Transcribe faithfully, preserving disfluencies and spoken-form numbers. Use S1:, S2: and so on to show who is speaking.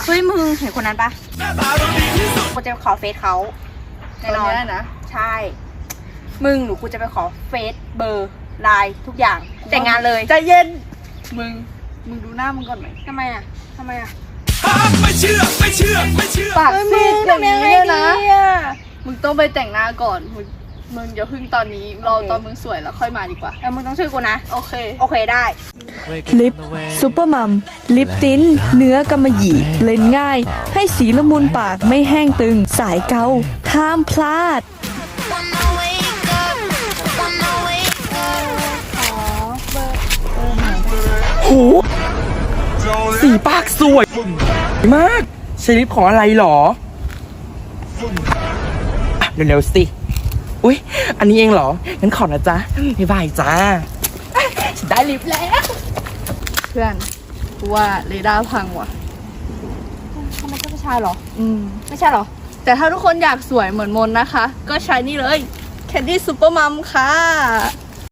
S1: เฮ้ยมึงเห็นคนนั้นปะกูจะไปขอเฟซเขาแน่นอนนะใช่มึงหนูกูจะไปขอเฟซเบอร์ไลน์ทุกอย่างแต่งงานเลยใจเย็น
S2: มึงมึงดูหน้ามึงก่อนไหม
S1: ทำไมอ่ะทำไมอ่ะ
S3: ไม่เชื่อไม่เชื่อไม่เชื่อ
S2: ปากซีดอย่างนี้เลยนะมึงต้องไปแต่งหน้าก่อนมึงมึงอย่าพึ่งตอนนี้รอตอนมึงสวยแล้วค่อยมาดีกว่า
S1: เออมึงต้องช่วยกูนะ
S2: โอเค
S1: โอเคได้
S4: ลิปซูเปอร์มัมลิปติ้นเนื้อกำมะหยี่เล่นง่ายให้สีละมุนปากไม่แห้งตึงสายเกาห้ามพลาด
S5: โหสีปากสวยมากใช้ลิปของอะไรหรอเร็วๆสิอุ๊ยอันนี้เองเหรองั้นขอนะจ๊ะบ๊ายบายจ้าฉันได้ลิปแล้ว
S2: เพื่อนกูว่าเรดาร์พังว่ะ
S1: ทำไมเจ้าผู้ชายหรอ
S2: อืม
S1: ไม่ใช่หรอ
S2: แต่ถ้าทุกคนอยากสวยเหมือนมนนะคะก็ใช้นี่เลย Candy Super Mom ค่ะ